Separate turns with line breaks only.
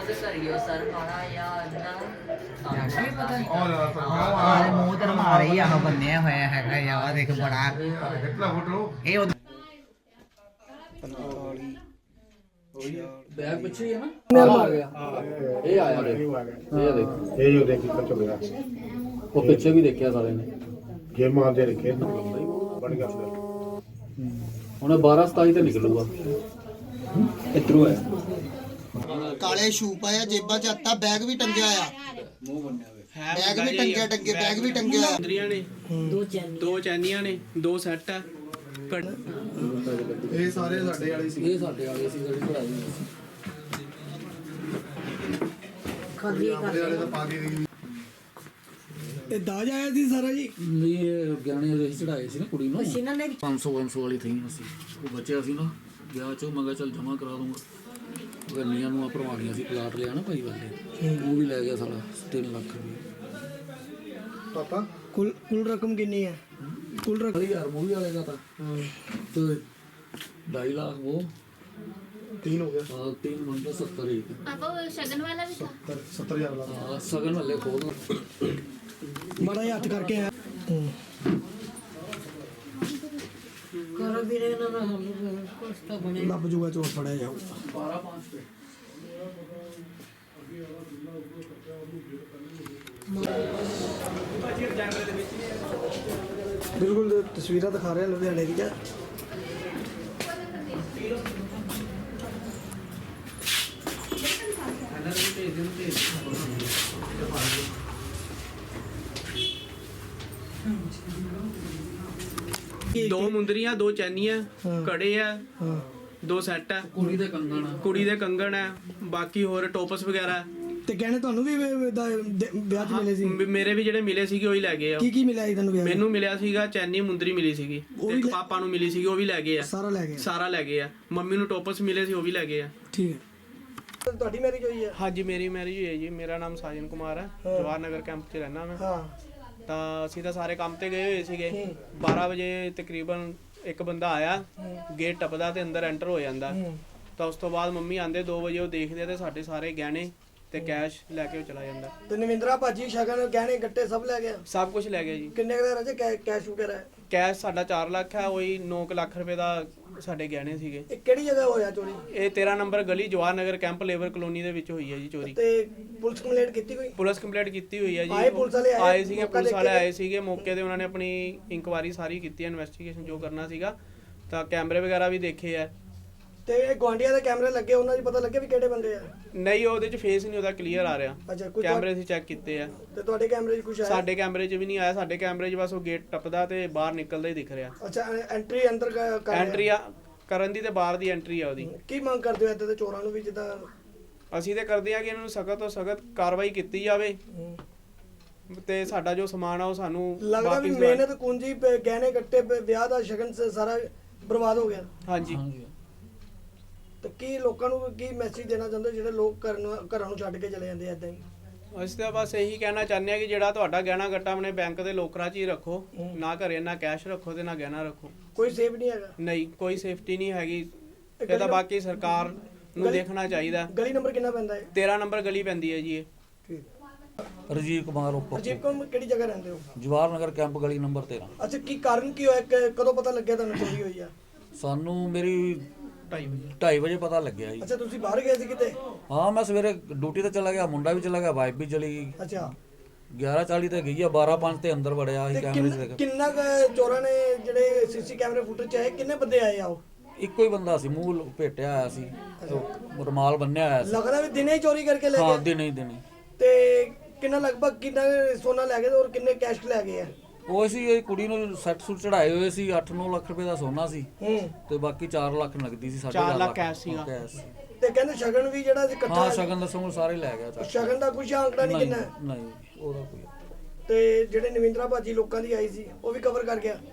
ਉਹਦੇ ਘਰੀਓ ਸਰ ਖਾਣਾ ਜਾਂ ਨਾ
ਵੀ ਪਤਾ ਨਹੀਂ ਆਹ ਮੂੰਹ ਤੇ ਮਾਰੇ ਹੀ ਆਹ ਬੰਨਿਆ ਹੋਇਆ ਹੈਗਾ ਯਾਰ ਦੇਖ ਬੜਾ ਇਹ
ਬੈਗ ਪਿੱਛੇ ਹੀ ਹੈ ਨਾ ਆ ਗਿਆ ਇਹ ਆਇਆ ਦੇਖ ਇਹ ਦੇਖ
ਇਹ ਜੋ ਦੇਖੀ ਕੱਚੋ ਮੇਰਾ
ਉਹ ਪਿੱਛੇ ਵੀ ਦੇਖਿਆ ਸਾਲੇ ਨੇ
ਗੇਮਾਂ ਦੇ ਰਖੇ ਬਣ ਗਿਆ ਫਿਰ
ਹੁਣ 12 27 ਤੇ ਨਿਕਲੂਗਾ ਇਧਰੋਂ ਹੈ
ਕਾਲੇ ਸ਼ੂ ਪਾਇਆ ਜੇਬਾਂ 'ਚ ਹੱਤਾ ਬੈਗ ਵੀ ਟੰਗਿਆ ਆ
ਮੂੰਹ ਬੰਨਿਆ ਹੋਇਆ
ਬੈਗ ਵੀ ਟੰਗਿਆ ਟੰਗੇ ਬੈਗ ਵੀ ਟੰਗਿਆ ਆ
ਮੁੰਦਰੀਆਂ ਨੇ ਦੋ ਚੈਨੀਆਂ ਨੇ 2 ਸੈੱਟ ਆ
ਇਹ ਸਾਰੇ ਸਾਡੇ ਵਾਲੇ ਸੀ
ਇਹ ਸਾਡੇ ਵਾਲੇ ਸੀ ਜਿਹੜੀ ਪੜਾਈ ਸੀ
ਵਾਲੇ ਤਾਂ ਪਾ ਕੇ ਗਈ
ਇਹ ਦਾਜ ਆਇਆ ਸੀ ਸਾਰਾ ਜੀ
ਇਹ ਗਿਆਨੇ ਦੇ ਚੜਾਏ ਸੀ ਨਾ ਕੁੜੀ ਨੂੰ 500 ਵਾਲੀ ਥੀ ਅਸੀਂ ਉਹ ਬਚਿਆ ਸੀ ਨਾ ਵਿਆਹ ਚੋਂ ਮੈਂ ਕਿਹਾ ਚੱਲ ਜਮਾ ਕਰਾ ਦੂੰਗਾ ਗੱਲੀਆਂ ਨੂੰ ਭਰਵਾਉਣੀਆਂ ਸੀ ਪਲਾਟ ਲਿਆ ਨਾ ਭਾਈ ਵਾਲੇ ਉਹ ਵੀ ਲੈ ਗਿਆ ਸਾਲਾ 3 ਲੱਖ ਰੁਪਏ
ਪਾਪਾ
ਕੁੱਲ ਰਕਮ ਕਿੰਨੀ ਹੈ ਕੁੱਲ ਰਕਮ
ਯਾਰ ਮੂਵੀ ਵਾਲੇ ਦਾ ਤਾਂ ਤੇ 2.5 ਲੱਖ ਉਹ
3 ਹੋ ਗਿਆ
3 ਮੰਨ 70 ਹੀ
पापा वो शगन वाला भी था
70000 ਲਾ
ਹਾਂ ਸਗਨ ਵਾਲੇ ਖੋਲ
ਬੜਾ ਹੱਥ ਕਰਕੇ ਆ
ਕਰੋ ਵੀਰੇ ਨਾ ਕੁਛ ਤਾਂ ਬਣੇ
ਲੱਭ ਜੂਗਾ ਚੋਰ ਫੜਿਆ ਜਾਊ
12 5
ਬਿਲਕੁਲ ਤਸਵੀਰਾਂ ਦਿਖਾ ਰਿਹਾ ਲੁਧਿਆਣੇ ਦੀ
ਦੋ ਮੁੰਦਰੀਆਂ 2 ਚੈਨੀਆਂ ਕੜੇ ਆ 2 ਸੈੱਟ ਆ
ਕੁੜੀ ਦੇ ਕੰਗਣ
ਆ ਬਾਕੀ ਹੋਰ ਟੋਪਸ ਵਗੈਰਾ
ਤੇ ਕਹਿੰਦੇ ਤੁਹਾਨੂੰ ਵੀ ਵਿਆਹ 'ਚ ਮਿਲੇ ਸੀ
ਮੇਰੇ ਵੀ ਜਿਹੜੇ ਮਿਲੇ ਸੀਗੇ ਉਹੀ ਲੈ ਗਏ ਆ
ਕੀ ਮਿਲਿਆ ਸੀ ਤੁਹਾਨੂੰ ਵਿਆਹ 'ਚ?
ਮੈਨੂੰ ਮਿਲਿਆ ਸੀਗਾ ਚੈਨੀ ਮੁੰਦਰੀ ਮਿਲੀ ਸੀਗੀ ਇੱਕ ਪਾਪਾ ਨੂੰ ਮਿਲੀ ਸੀਗੀ ਉਹ ਵੀ ਲੈ ਗਏ ਆ
ਸਾਰਾ ਲੈ ਗਏ
ਆ ਮੰਮੀ ਨੂੰ ਟੋਪਸ ਮਿਲੇ ਸੀ ਉਹ ਵੀ ਲੈ ਗਏ ਆ
ਠੀਕ ਹੈ ਤੁਹਾਡੀ ਮੈਰਿਜ ਹੋਈ ਹੈ
ਹਾਂਜੀ ਮੇਰੀ ਮੈਰਿਜ ਹੋਈ ਹੈ ਜੀ ਮੇਰਾ ਨਾਮ ਸਾਜਨ ਕੁਮਾਰ ਹੈ ਜਵਾਹਰ ਨਗਰ ਕੈਂਪ 'ਚ ਰਹਿਣਾ ਮੈਂ
ਹਾਂ
ਤਾਂ ਅਸੀਂ ਤਾਂ ਸਾਰੇ ਕੰਮ ਤੇ ਗਏ ਹੋਏ ਸੀਗੇ 12 ਵਜੇ ਤਕਰੀਬਨ ਇੱਕ ਬੰਦਾ ਆਇਆ ਗੇਟ ਟੱਪਦਾ ਤੇ ਅੰਦਰ ਐਂਟਰ ਹੋ ਜਾਂਦਾ ਤਾਂ ਉਸ ਤੋਂ ਬਾਅਦ ਮੰਮੀ ਆਂਦੇ 2 ਵਜੇ ਉਹ ਦੇਖਦੇ ਤੇ ਸਾਡੇ ਸਾਰੇ ਗਹਿਣੇ ਤੇ ਕੈਸ਼ ਲੈ ਕੇ ਉਹ ਚਲਾ ਜਾਂਦਾ
ਤੇ ਨਵਿੰਦਰਾ ਭਾਜੀ ਸ਼ਗਨ ਗਹਿਣੇ ਗੱਟੇ ਸਭ ਲੈ ਗਿਆ
ਸਭ ਕੁਝ ਲੈ ਗਿਆ ਜੀ
ਕਿੰਨੇ ਦਾ ਰਾਜੇ ਕੈਸ਼ ਵਗੈਰਾ ਹੈ?
ਕੈਸ਼ ਸਾਡਾ 4 ਲੱਖ ਹੈ ਉਹੀ 9 ਲੱਖ ਰੁਪਏ ਦਾ ਸਾਡੇ ਗਹਿਣੇ ਸੀਗੇ
ਇਹ ਕਿਹੜੀ ਜਗ੍ਹਾ ਹੋਇਆ ਚੋਰੀ
ਇਹ 13 ਨੰਬਰ ਗਲੀ Jawahar Nagar camp labour colony ਦੇ ਵਿੱਚ ਹੋਈ ਹੈ ਜੀ ਚੋਰੀ
ਤੇ ਪੁਲਿਸ ਕੰਪਲੇਂਟ ਕੀਤੀ ਕੋਈ
ਪੁਲਿਸ ਕੰਪਲੀਟ ਕੀਤੀ ਹੋਈ ਹੈ ਜੀ
ਆਏ ਪੁਲਿਸ ਵਾਲੇ
ਆਏ ਸੀਗੇ ਪੁਲਿਸ ਵਾਲੇ ਆਏ ਸੀਗੇ ਮੌਕੇ ਤੇ ਉਹਨਾਂ ਨੇ ਆਪਣੀ ਇਨਕੁਆਇਰੀ ਸਾਰੀ ਕੀਤੀ ਹੈ ਇਨਵੈਸਟੀਗੇਸ਼ਨ ਜੋ ਕਰਨਾ ਸੀਗਾ ਤਾਂ ਕੈਮਰੇ ਵਗੈਰਾ ਵੀ ਦੇਖੇ ਆ
ਤੇ ਇਹ ਗਵਾਂਡੀਆਂ ਦੇ ਕੈਮਰੇ ਲੱਗੇ ਉਹਨਾਂ 'ਚ ਪਤਾ ਲੱਗਿਆ ਵੀ ਕਿਹੜੇ ਬੰਦੇ ਆ
ਨਹੀਂ ਉਹਦੇ ਚ ਫੇਸ ਨਹੀਂ ਉਹਦਾ ਕਲੀਅਰ ਆ ਰਿਹਾ
ਅੱਛਾ ਕੋਈ
ਕੈਮਰੇ ਅਸੀਂ ਚੈੱਕ ਕੀਤੇ ਆ
ਤੇ ਤੁਹਾਡੇ ਕੈਮਰੇ 'ਚ ਕੁਝ ਆਇਆ
ਸਾਡੇ ਕੈਮਰੇ 'ਚ ਵੀ ਨਹੀਂ ਆਇਆ ਸਾਡੇ ਕੈਮਰੇ 'ਚ ਬਸ ਉਹ ਗੇਟ ਟੱਪਦਾ ਤੇ ਬਾਹਰ ਨਿਕਲਦਾ ਹੀ ਦਿਖ ਰਿਹਾ
ਅੱਛਾ ਐਂਟਰੀ ਅੰਦਰ ਕਰ ਰਿਹਾ।
ਐਂਟਰੀ ਕਰਨ ਦੀ ਤੇ ਬਾਹਰ ਦੀ ਐਂਟਰੀ ਆ ਉਹਦੀ
ਕੀ ਮੰਗ ਕਰਦੇ ਹੋ ਇੱਦਾਂ ਦੇ ਚੋਰਾਂ ਨੂੰ ਵੀ ਜਿੱਦਾਂ
ਅਸੀਂ ਤੇ ਕਰਦੇ ਆ ਕਿ ਇਹਨਾਂ ਨੂੰ ਸਖਤ ਤੋਂ ਸਖਤ ਕਾਰਵਾਈ ਕੀਤੀ ਜਾਵੇ ਤੇ ਸਾਡਾ ਜੋ ਸਮਾਨ ਆ ਉਹ ਸਾਨੂੰ
ਲੱਗਦਾ ਵੀ
ਵਾਪਿਸ
ਮਿਹਨਤ ਕੁੰਜੀ ਗਹਿਣੇ ਗੱਟੇ ਵਿਆਹ ਦਾ ਸ਼ਗਨ ਸਾਰਾ ਬਰਬਾਦ ਹੋ ਗਿਆ
ਹਾਂਜੀ
ਤੇ ਕੀ ਲੋਕਾਂ ਨੂੰ ਕੀ ਮੈਸੇਜ ਦੇਣਾ ਚਾਹੁੰਦੇ ਜਿਹੜੇ ਲੋਕ ਘਰਾਂ ਨੂੰ ਛੱਡ ਕੇ ਚਲੇ ਜਾਂਦੇ ਐਦਾਂ ਹੀ
ਅਸੀਂ ਤਾਂ ਬਸ ਇਹੀ ਕਹਿਣਾ ਚਾਹੁੰਦੇ ਆ ਕਿ ਜਿਹੜਾ ਤੁਹਾਡਾ ਗਹਿਣਾ ਗੱਟਾ ਆਪਣੇ ਬੈਂਕ ਦੇ ਲੋਕਰਾਂ 'ਚ ਹੀ ਰੱਖੋ ਨਾ ਘਰੇ ਨਾ ਕੈਸ਼ ਰੱਖੋ ਤੇ ਨਾ ਗਹਿਣਾ ਰੱਖੋ
ਕੋਈ ਸੇਫ ਨਹੀਂ ਹੈਗਾ
ਨਹੀਂ ਕੋਈ ਸੇਫਟੀ ਨਹੀਂ ਹੈਗੀ ਇਹ ਤਾਂ ਬਾਕੀ ਸਰਕਾਰ ਨੂੰ ਦੇਖਣਾ ਚਾਹੀਦਾ
ਗਲੀ ਨੰਬਰ ਕਿੰਨਾ ਪੈਂਦਾ ਹੈ
13 ਨੰਬਰ ਗਲੀ ਪੈਂਦੀ ਹੈ ਜੀ ਇਹ
ਰਜੀਵ ਕੁਮਾਰ ਉੱਪਰ
ਅਜੀਬ ਕੋਲ ਕਿਹੜੀ ਜਗ੍ਹਾ ਰਹਿੰਦੇ ਹੋ
ਜਵਾਹਰ ਨਗਰ ਕੈਂਪ ਗਲੀ ਨੰਬਰ 13
ਅੱਛਾ ਕੀ ਕਾਰਨ ਕੀ ਹੋਇਆ ਕਦੋਂ ਪਤਾ ਲੱਗਿਆ ਤੁਹਾਨੂੰ ਚੋਰੀ ਹੋਈ ਆ
ਸਾਨੂੰ ਮੇਰੀ 2:30 ਵਜੇ ਪਤਾ ਲੱਗਿਆ ਜੀ
ਅੱਛਾ ਤੁਸੀਂ ਬਾਹਰ ਗਏ ਸੀ ਕਿਤੇ
ਹਾਂ ਮੈਂ ਸਵੇਰੇ ਡਿਊਟੀ ਤੇ ਚਲਾ ਗਿਆ ਮੁੰਡਾ ਵੀ ਚਲਾ ਗਿਆ ਵਾਈਫ ਵੀ ਚਲੀ ਗਈ
ਅੱਛਾ
11:40 ਤੇ ਗਈ ਆ 12:05 ਤੇ ਅੰਦਰ ਵੜਿਆ ਸੀ ਕੈਮਰੇ 'ਚ ਦੇਖ
ਕਿੰਨਾ ਚੋਰਾਂ ਨੇ ਜਿਹੜੇ ਸੀਸੀ ਕੈਮਰੇ ਫੁਟੇਜ ਚ ਆਏ ਕਿੰਨੇ ਬੰਦੇ ਆਏ ਆ ਉਹ
ਇੱਕੋ ਹੀ ਬੰਦਾ ਸੀ ਮੂੰਹ ਲਪੇਟਿਆ ਆਇਆ ਸੀ ਰੁਮਾਲ ਬੰਨਿਆ ਆਇਆ ਸੀ
ਲੱਗਦਾ ਵੀ ਦਿਨੇ ਹੀ ਚੋਰੀ ਕਰਕੇ ਲੈ
ਹਾਂ
ਗਏ
ਦਿਨੇ
ਤੇ ਕਿੰਨਾ ਲਗਭਗ ਕਿੰਨਾ ਸੋਨਾ ਲੈ ਗਏ ਔਰ ਕਿੰਨੇ ਕੈਸ਼ ਲੈ ਗਏ ਆ
ਉਹ ਸੀ ਇਹ ਕੁੜੀ ਨੂੰ ਸੈੱਟ ਸੂਟ ਚੜਾਏ ਹੋਏ ਸੀ 8-9 ਲੱਖ ਰੁਪਏ ਦਾ ਸੋਨਾ ਸੀ ਤੇ ਬਾਕੀ 4 ਲੱਖ ਨਗਦੀ ਸੀ
4 ਲੱਖ ਕੈਸ਼ ਸੀਗਾ
ਤੇ ਕਹਿੰਦੇ ਸ਼ਗਨ ਵੀ ਜਿਹੜਾ ਸੀ ਇਕੱਠਾ
ਹਾਂ ਸ਼ਗਨ ਦਾ ਸਮਾਂ ਸਾਰੇ ਲੈ ਗਿਆ ਚੱਕ
ਸ਼ਗਨ ਦਾ ਕੁਝ ਆਂਕੜਾ ਨਹੀਂ ਕਿੰਨਾ ਹੈ?
ਨਹੀਂ ਉਹਦਾ ਕੋਈ
ਤੇ ਜਿਹੜੇ ਨਵਿੰਦਰਾ ਭਾਜੀ ਲੋਕਾਂ ਦੀ ਆਈ ਸੀ ਉਹ ਵੀ ਕਵਰ ਕਰ ਗਿਆ